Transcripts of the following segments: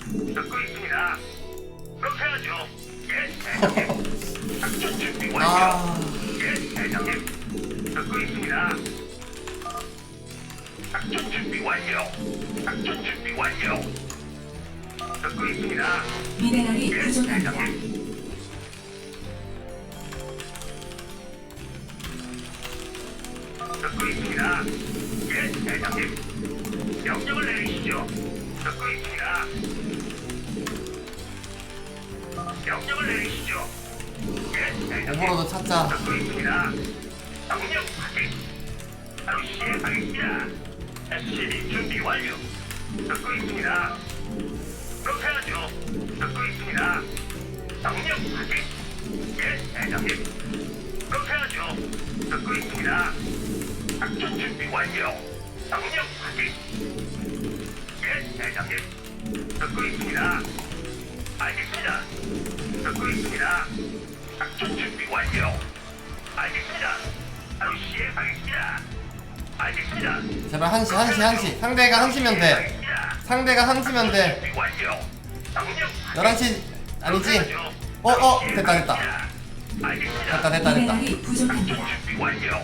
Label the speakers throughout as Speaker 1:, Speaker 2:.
Speaker 1: 듣고 있습니다. 그렇게 하죠. 예, 대장님. 작전 준비 완료. 예, 대장님. 듣고 있습니다. 작전 준비 완료. 작전 준비 완료. 듣고 있습니다.
Speaker 2: 미네랄이
Speaker 1: 예,
Speaker 2: 부족합니다.
Speaker 1: 대장님. 듣고 있습니다. 예, 대장님. 명령을 내리시죠. 듣고 있습니다. 명령을 내리시죠. 예, 대장님.
Speaker 3: 오버로드 찾자.
Speaker 1: 듣고 있습니다. 명령 확인. 바로 시행하겠습니다. SCB 준비 완료. 듣고 있습니다. 그렇게 하죠. 듣고 있습니다. 명령 확인. 예, 대장님. 그렇게 하죠. 듣고 있습니다. 작전 준비 완료. 명령 확인. 예, 대장님. 듣고 있습니다. 알겠습니다. 듣고 있습니다. 작전 준비 완료. 알겠습니다. 바로 시행하겠습니다. 알겠습니다.
Speaker 3: 제발 한시. 상대가 한시면 돼.
Speaker 1: 알겠습니다.
Speaker 3: 상대가 한시면 돼.
Speaker 1: 준비 완료. 명령 확인.
Speaker 3: 11시 아니지? 됐다.
Speaker 1: 알겠습니다.
Speaker 3: 됐다.
Speaker 2: 미네랄이 부족합니다.
Speaker 1: 작전 준비 완료.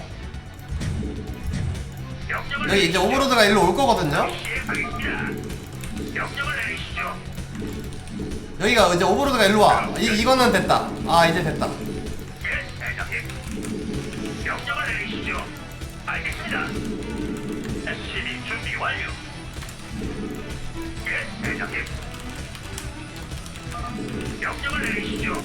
Speaker 1: 명령을
Speaker 3: 여기 이제 오버로드가 일로 올 거거든요?
Speaker 1: 시행하겠습니다. 명령을 내리시죠.
Speaker 3: 여기가 이제 오버로드가 일로 와. 이거는 됐다. 아, 이제 됐다.
Speaker 1: 예, 대장님. 명령을 내리시죠. 알겠습니다. SCB 준비 완료. 예, 대장님. 명령을 내리시죠.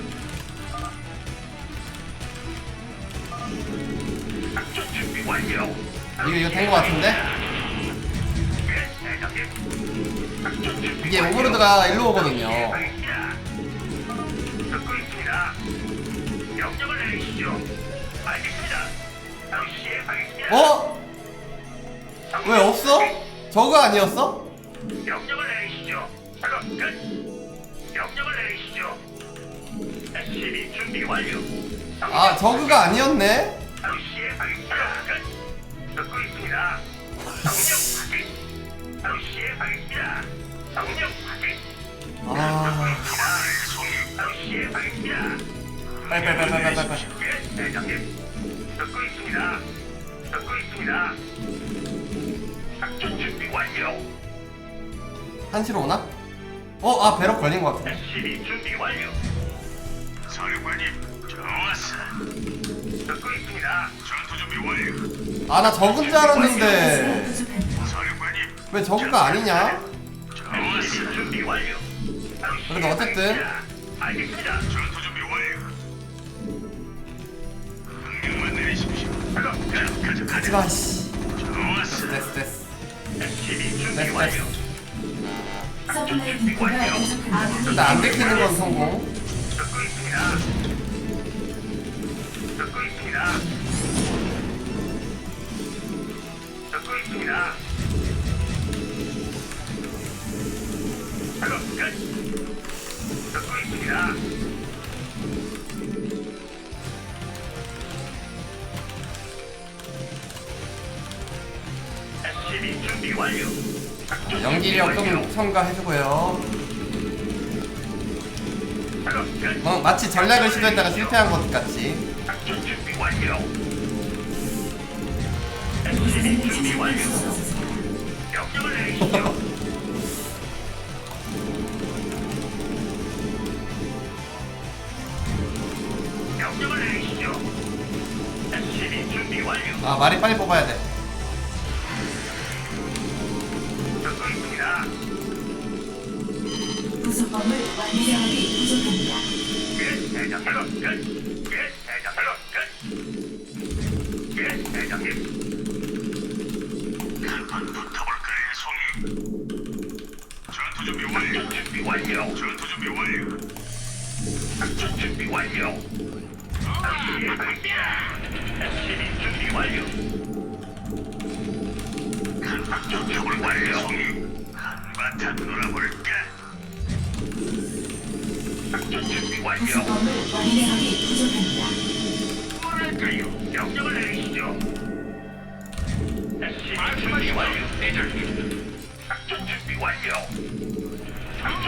Speaker 1: 작전 준비 완료.
Speaker 3: 이거 된 거 같은데?
Speaker 1: 예, 대장님. 작전 준비
Speaker 3: 이게
Speaker 1: 완료.
Speaker 3: 오버로드가 일로 오거든요.
Speaker 1: 시행하겠습니다. 듣고 있습니다. 명령을 내리시죠. 알겠습니다. 바로 시행하겠습니다.
Speaker 3: 어? 왜 없어? 저거 아니었어?
Speaker 1: 명령을 내리시죠. 작업 끝. 명령을 내리시죠. SCB 준비 완료.
Speaker 3: 아, 저그가 아니었네?
Speaker 1: 바로 시행하겠습니다. 끝. 듣고 있습니다. 명령 확인. 바로 시행하겠습니다. 명령 확인.
Speaker 3: 아,
Speaker 1: 바로 시행하겠습니다.
Speaker 3: 빨리.
Speaker 1: 예, 대장님. 듣고 있습니다. 듣고 있습니다. 작전 준비 완료.
Speaker 3: 한시로 오나? 배럭 걸린 거 같아.
Speaker 1: SCB 준비 완료. 사령관님, 좋았어. 듣고 있습니다. 전투 준비 완료.
Speaker 3: 아, 나 적은 줄
Speaker 2: 가스가
Speaker 3: 알았는데.
Speaker 2: 부족합니다.
Speaker 1: 사령관님,
Speaker 3: 왜 저그가 아니냐?
Speaker 1: SCB 준비 완료.
Speaker 3: 그래도 어쨌든.
Speaker 1: 알겠습니다. 전투 준비 완료. 명령만 내리십시오.
Speaker 3: 하지마, 씨.
Speaker 1: 좋았어.
Speaker 3: 됐어.
Speaker 1: SCB 준비
Speaker 3: 됐어.
Speaker 1: 완료.
Speaker 2: 서플라이 디포가 부족합니다.
Speaker 3: 일단 안 들키는 건 성공.
Speaker 1: 듣고 있습니다. 듣고 있습니다. 듣고 있습니다. 작업 끝. 듣고 있습니다. SCB 준비 완료. 작전
Speaker 3: 연기력
Speaker 1: 준비 완료.
Speaker 3: 좀 첨가해주고요.
Speaker 1: 작업 끝.
Speaker 3: 마치 전략을 시도했다가 실패한 것 같이.
Speaker 1: 작전 준비 완료.
Speaker 2: 무슨
Speaker 1: SCB 준비
Speaker 2: 일인지
Speaker 1: 완료.
Speaker 2: 찾아주세요.
Speaker 1: 명령을 내리시죠. 명령을 내리시죠. SCB 준비 완료.
Speaker 3: 아, 말이 빨리 뽑아야 돼.
Speaker 1: 듣고 있습니다.
Speaker 2: 부속범을 미네랄이 부족합니다.
Speaker 1: 예, 대장님. 끝. 예, 대장님. 끝. 예, 대장님. 한번 붙어볼까요, 송이? 전투 준비 완료. 준비 완료. 전투 준비 완료. 작전 준비 완료. 시행하겠습니다. SCB 준비 완료. 작전 준비 완료. 한바탕 놀아볼까? 작전 준비 완료.
Speaker 2: 부속범을 미네랄이 부족합니다.
Speaker 1: 뭐랄까요? 명령을 내리시죠. SCB 준비 완료. 대장님. 작전 준비 완료. 작전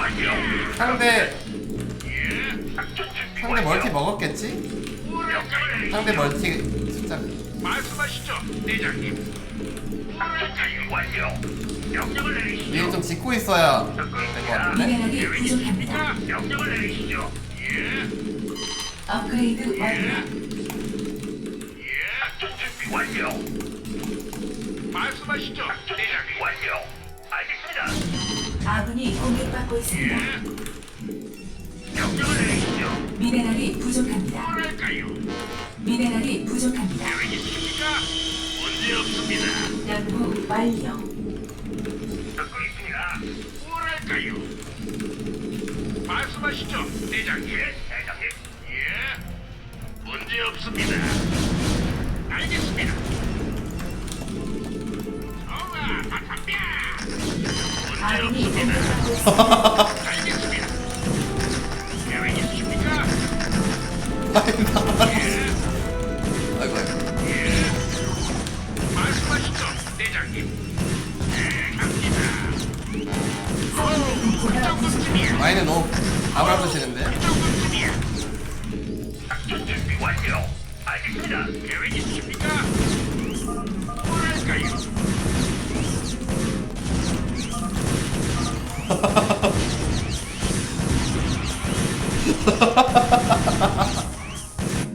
Speaker 1: 완료.
Speaker 3: 상대
Speaker 1: 예. 작전 준비
Speaker 3: 상대
Speaker 1: 완료.
Speaker 3: 멀티 먹었겠지?
Speaker 1: 명령을 내리시죠.
Speaker 3: 상대 멀티 숫자
Speaker 1: 말씀하시죠, 대장님. 작전 준비 완료. 명령을 내리시죠.
Speaker 3: 미리 좀 짓고 있어야
Speaker 1: 듣고
Speaker 3: 될 것
Speaker 1: 있습니다.
Speaker 3: 같은데?
Speaker 2: 미네랄이
Speaker 1: 계획
Speaker 2: 부족합니다.
Speaker 1: 있으십니까? 명령을 내리시죠. 예.
Speaker 2: 업그레이드 완료.
Speaker 1: 예. 작전 준비 완료. 말씀하시죠, 작전 준비 완료. 알겠습니다.
Speaker 2: 아군이 공격받고 있습니다.
Speaker 1: 예. 명령을 내리시죠.
Speaker 2: 미네랄이 부족합니다.
Speaker 1: 뭐랄까요?
Speaker 2: 미네랄이 부족합니다.
Speaker 1: 계획 있으십니까? 문제 없습니다.
Speaker 2: 연구 완료.
Speaker 1: 듣고 있습니다. 뭐랄까요? 말씀하시죠, 대장님. 예, 대장님. 예. 문제 없습니다. 알겠습니다. 좋아, 다 담배. 문제
Speaker 2: 아군이
Speaker 1: 없습니다.
Speaker 2: 공격받고 있습니다.
Speaker 1: 알겠습니다. 계획 있으십니까? 예,
Speaker 3: 아이고 아이고.
Speaker 1: 예. 말씀하시죠, 대장님. 네, 갑니다.
Speaker 2: 서플라이 디포가 부족합니다.
Speaker 3: 마이는 너무 아무라드시는데?
Speaker 1: 그 정도쯤이야. 작전 준비 완료. 알겠습니다. 계획 있으십니까? 뭐랄까요?